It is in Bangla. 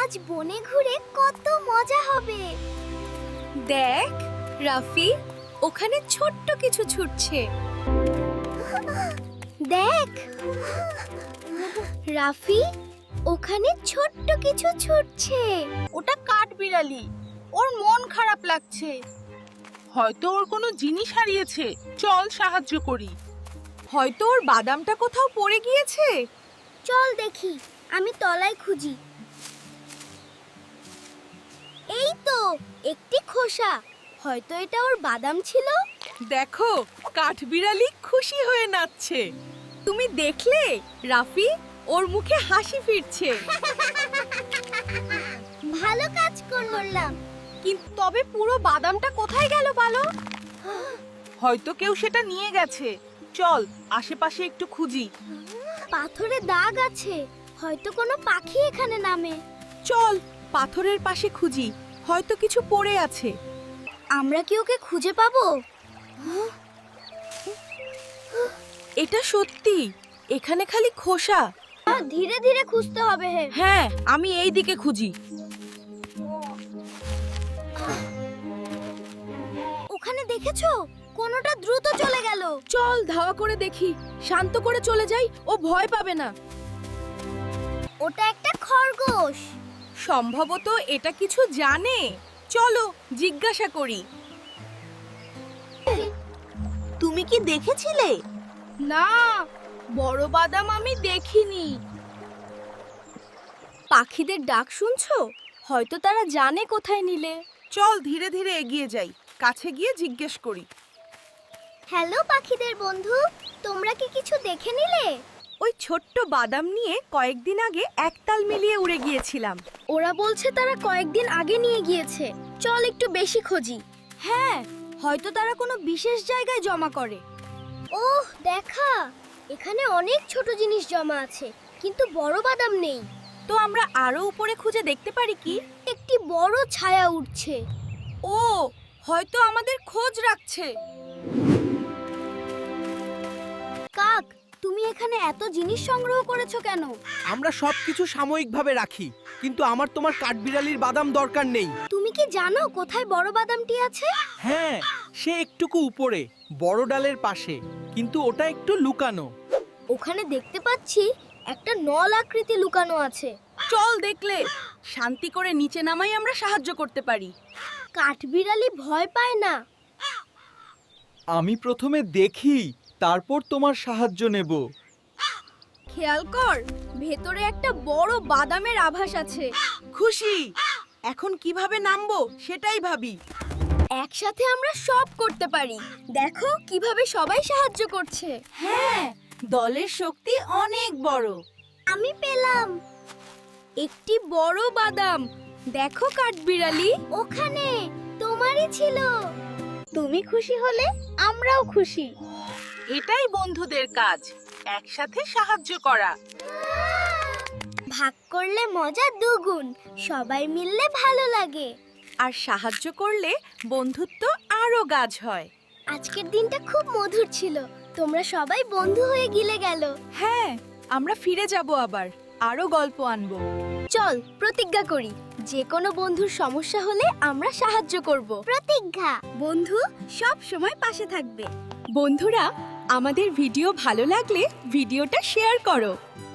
আজ বনে ঘুরে কত মজা হবে। দেখ রাফি, ওখানে ছোট্ট কিছু ছুটছে। দেখ রাফি, ওখানে ছোট্ট কিছু ছুটছে। ওটা কাঠবিড়ালি, ওর মন খারাপ লাগছে। হয়তো ওর কোনো জিনিস হারিয়েছে, চল সাহায্য করি। হয়তো ওর বাদামটা কোথাও পড়ে গিয়েছে। চল দেখি, আমি তলায় খুঁজি। এই তো একটি খোসা, হয়তো এটা ওর বাদাম ছিল। দেখো, কাঠবিড়ালি খুশি হয়ে নাচছে। তুমি দেখলে রাফি, ওর মুখে হাসি ফিরছে। ভালো কাজ করলাম। কিন্তু তবে পুরো বাদামটা কোথায় গেল বলো? হয়তো কেউ সেটা নিয়ে গেছে। চল আশেপাশে একটু খুঁজি। পাথরে দাগ আছে, হয়তো কোনো পাখি এখানে নামে। চল পাথরের পাশে খুঁজি, হয়তো কিছু পড়ে আছে। আমরা কি ওকে খুঁজে পাবো? এটা সত্যি, এখানে খালি খোসা। ধীরে ধীরে খুঁজতে হবে। হ্যাঁ, আমি এই দিকে খুঁজি। ওখানে দেখেছো, কোনোটা দ্রুত চলে গেল। চল ধাওয়া করে দেখি, শান্ত করে চলে যাই, ও ভয় পাবে না। ওটা একটা খরগোশ। সম্ভবত এটা কিছু জানে। চলো জিজ্ঞাসা করি। তুমি কি দেখেছিলে? না, বড় বাদাম আমি দেখিনি। পাখিদের ডাক শুনছো? হয়তো তারা জানে কোথায় নিলে। চল ধীরে ধীরে এগিয়ে যাই, কাছে গিয়ে জিজ্ঞেস করি। হ্যালো পাখিদের বন্ধু, তোমরা কি কিছু দেখে নিলে? ওই ছোট্ট বাদাম নিয়ে কয়েকদিন আগে একতাল মিলিয়ে উড়ে গিয়েছিলাম। ওরা বলছে তারা কয়েকদিন আগে নিয়ে গিয়েছে। চল একটু বেশি খুঁজি। হ্যাঁ, হয়তো তারা কোনো বিশেষ জায়গায় জমা করে। ওহ দেখা, এখানে অনেক ছোট জিনিস জমা আছে, কিন্তু বড় বাদাম নেই। তো আমরা আরো উপরে খুঁজে দেখতে পারি কি? একটি বড় ছায়া উঠছে। ও, হয়তো আমাদের খোঁজ রাখছে। কাক, তুমি এখানে এত জিনিস সংগ্রহ করেছো কেন? আমরা সবকিছু সাময়িকভাবে রাখি, কিন্তু আমার তোমার কাঠবিড়ালির বাদাম দরকার নেই। তুমি কি জানো কোথায় বড় বাদামটি আছে? হ্যাঁ, সে একটুকু উপরে, বড় ডালের পাশে, কিন্তু ওটা একটু লুকানো। ওখানে দেখতে পাচ্ছি একটা নল আকৃতি লুকানো আছে। চল দেখলে শান্তি করে নিচে নামাই আমরা সাহায্য করতে পারি। কাঠবিড়ালি ভয় পায় না। আমি প্রথমে দেখি, তারপর তোমার সাহায্য নেব। খেয়াল কর, ভেতরে একটা বড় বাদামের আভাস আছে। খুশি, এখন কিভাবে নামবো সেটাই ভাবি। একসাথে আমরা সব করতে পারি। দেখো কিভাবে সবাই সাহায্য করছে। হ্যাঁ, দলের শক্তি অনেক বড়। আমি পেলাম একটি বড় বাদাম। দেখো কাঠবিড়ালি, ওখানে, তোমারই ছিল। তুমি খুশি হলে আমরাও খুশি। এটাই বন্ধুদের কাজ, একসাথে সাহায্য করা। ভাগ করলে মজা দ্বিগুণ, সবাই মিললে ভালো লাগে। আর সাহায্য করলে বন্ধুত্ব আরো গাঢ় হয়। আজকের দিনটা খুব মধুর ছিল, তোমরা সবাই বন্ধু হয়ে গিলে গেল। হ্যাঁ, আমরা ফিরে যাব, আবার আরো গল্প আনবো। চল প্রতিজ্ঞা করি, যে কোনো বন্ধুর সমস্যা হলে আমরা সাহায্য করব। প্রতিজ্ঞা। বন্ধু সব সময় পাশে থাকবে। বন্ধুরা, আমাদের ভিডিও ভালো লাগলে ভিডিওটা শেয়ার করো।